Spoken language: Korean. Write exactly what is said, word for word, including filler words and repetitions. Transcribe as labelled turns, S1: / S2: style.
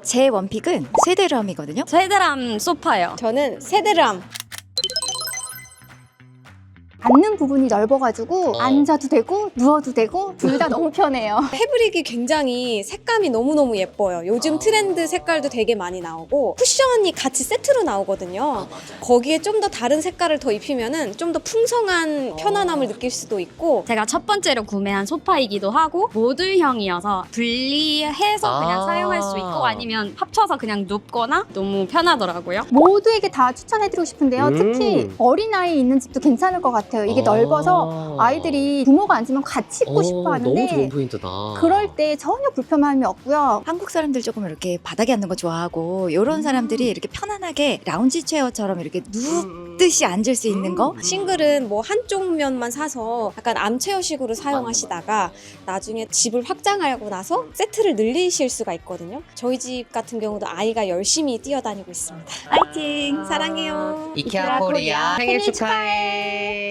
S1: 제 원픽은 세데람이거든요.
S2: 세데람 소파요.
S3: 저는 세데람.
S4: 앉는 부분이 넓어가지고
S5: 어.
S4: 앉아도 되고 누워도 되고 둘 다 너무 편해요.
S3: 패브릭이 굉장히 색감이 너무너무 예뻐요. 요즘 트렌드 색깔도 되게 많이 나오고 쿠션이 같이 세트로 나오거든요. 거기에 좀 더 다른 색깔을 더 입히면은 좀 더 풍성한 편안함을 느낄 수도 있고.
S2: 제가 첫 번째로 구매한 소파이기도 하고 모듈형이어서 분리해서 그냥
S5: 아.
S2: 사용할 수 있고 아니면 합쳐서 그냥 눕거나 너무 편하더라고요.
S4: 모두에게 다 추천해드리고 싶은데요.
S5: 음.
S4: 특히 어린아이 있는 집도 괜찮을 것 같아요. 이게
S5: 아.
S4: 넓어서 아이들이 부모가 앉으면 같이 있고
S5: 어,
S4: 싶어
S5: 너무 좋은
S4: 하는데
S5: 포인트다.
S4: 그럴 때 전혀 불편함이 없고요.
S1: 한국 사람들 조금 이렇게 바닥에 앉는 거 좋아하고 이런 사람들이 이렇게 편안하게 라운지 체어처럼 이렇게 눕듯이 앉을 수 있는 거.
S3: 싱글은 뭐 한쪽 면만 사서 약간 암체어식으로 사용하시다가 나중에 집을 확장하고 나서 세트를 늘리실 수가 있거든요. 저희 집 같은 경우도 아이가 열심히 뛰어다니고 있습니다. 파이팅! 사랑해요.
S5: 이케아 코리아 생일 축하해.